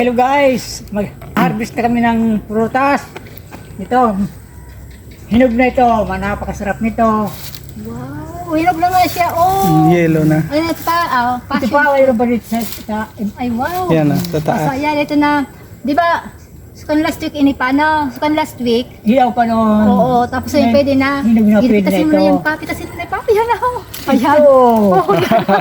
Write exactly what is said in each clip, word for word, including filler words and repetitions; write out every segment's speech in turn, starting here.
Hello guys, mag-harvest na kami ng prutas. Ito, hinog na ito, napakasarap nito. Wow, hinog na nga siya, oh. Yellow na. Ayun, ito pa, oh, Ito passion. pa, mayroon pa dito sa, sa Ay, wow. Yan na, sa taas. So, ayan, ito na. Di ba, sukan last week ini pa, no? Sukan last week. hilaw pa noon. Oo, tapos ayun, pwede na. Hinog na pwede na Pitasin mo ito. na yung pa, pitasin mo na yung pa. Ayan na, oh. Ayan. Ito. Oh,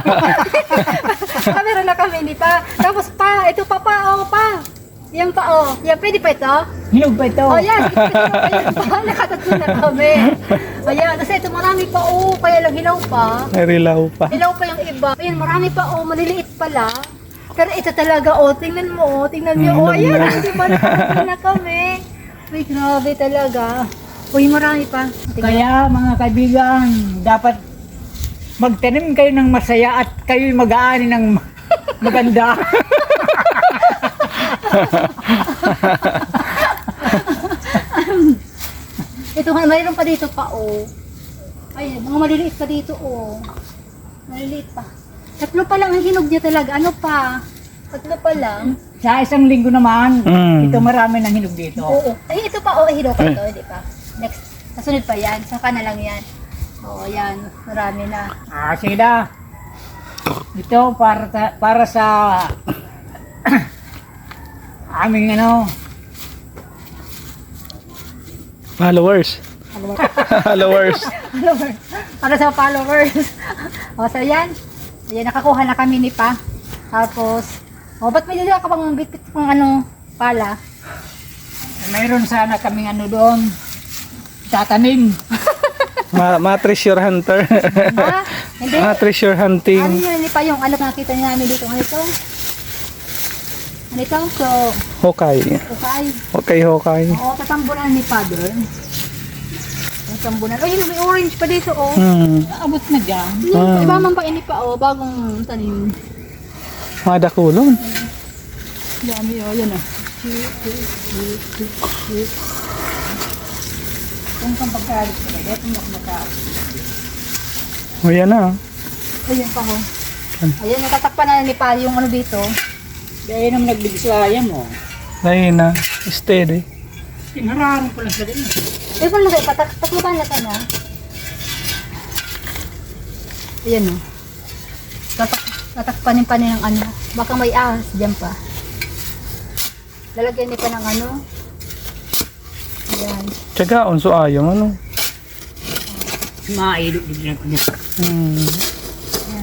ah, meron na kami, hindi pa. Tapos pa, ito pa pa, oh, pa. Yan pa, oh. Yan, pwede pa ito? Hinog pa ito. Oh, yan. Ayan pa, nakatatlo na kami. Ayan, kasi ito marami pa, oh. Kaya lang hilaw pa. May rilaw pa. Hilaw pa yung iba. Ayan, marami pa, oh. Maliliit pala. Pero ito talaga, oh. Tingnan mo, oh. Tingnan niyo, oh. Mm, Ayan, na. hindi pa nakatatlo na kami. Uy, grabe talaga. Uy, marami pa. Tingnan. Kaya mga kaibigan, dapat magtanim kayo ng masaya at kayo'y mag-aani ng maganda. Ito nga, mayroon pa dito pa, oh. Ay, mga maliliit pa dito, oh. Maliliit pa. Tatlo pa lang ang hinog niya talaga. Ano pa? Tatlo pa lang. Sa isang linggo naman, Mm. ito marami ng hinog dito. Oo. Ay, ito pa, oh. Hinog pa ito, hindi pa. Next. Kasunod pa yan. Saka na lang yan. Oo, yan. Marami na. Ah, sige na. Ito para ta- para sa aming ano, Followers. Followers. Followers. Para sa followers. O, so yan. Ayan, nakakuha na kami ni Pa. Tapos, o, ba't may dila ka pang bitbit pang ano, pala? mayroon sana kaming ano doon, tatanim. Ma, ma treasure hunter. Ha? Hindi. Ma treasure Ano hunting. yun, ni Pa, yung ano nakita niya namin dito. Ano ito? Ano ito? So, Hokay. okay. Okay, Hokay. Oo, tatambunan ni Pa doon. Tatambunan. Oh, yun, may orange pa dito, oh. Hmm. Abot na dyan. Yung Ah. iba man pa ini pa, oh, bagong tanim. Mga dakulon. Dami, oh, yan ah. Kung kang pagkalit ka na, ito makmaka. O yan na. Ayun pa, oh. Ayun, natatakpan na ni Pa yung ano dito. Kaya naman nagbibisaya mo. Dahil na. Steady. Tinararo ko lang sa din. Eh, kung lagay pa, tak takluban na ka na. Ayan, oh. Tatak tatakpanin pa niya ng ano. Baka may ahas dyan pa. Lalagyan niya pa ng ano. Ayan. Tsagaon, so ayaw ano. Mailog din ko niya. Hmm. Ayan.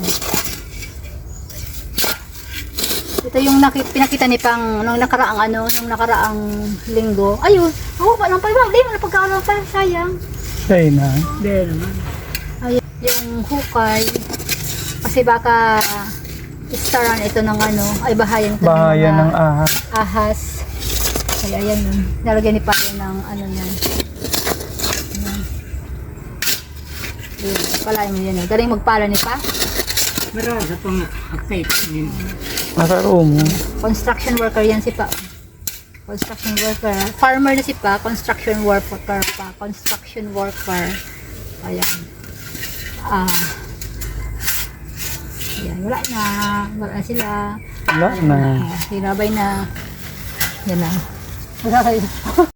Ito yung nakit pinakita ni Pang nung nakaraang ano, nung nakaraang linggo. Ayun, oh, pa lang pala. Di mo na pagkakaroon pa, sayang. Dahil na. Dahil naman. Ayun, yung hukay. Kasi baka istaran ito ng ano, ay bahayan ito Bahayan ng ng mga ahas. ahas. Kaya ayan yun. Nalagyan ni Pang ng ano yan. Ayan. Ayun, palayan mo yan. eh. Galing magpala ni Pa. Marami sa pang update. Nakaroon mo. Construction worker yan si Pa. Construction worker. Farmer na si Pa. Construction worker pa. Construction worker. Ayan. Ah. Ayan. Wala na. Wala na sila. Wala na. Ah, hinabay na. Yan na. Wala kayo.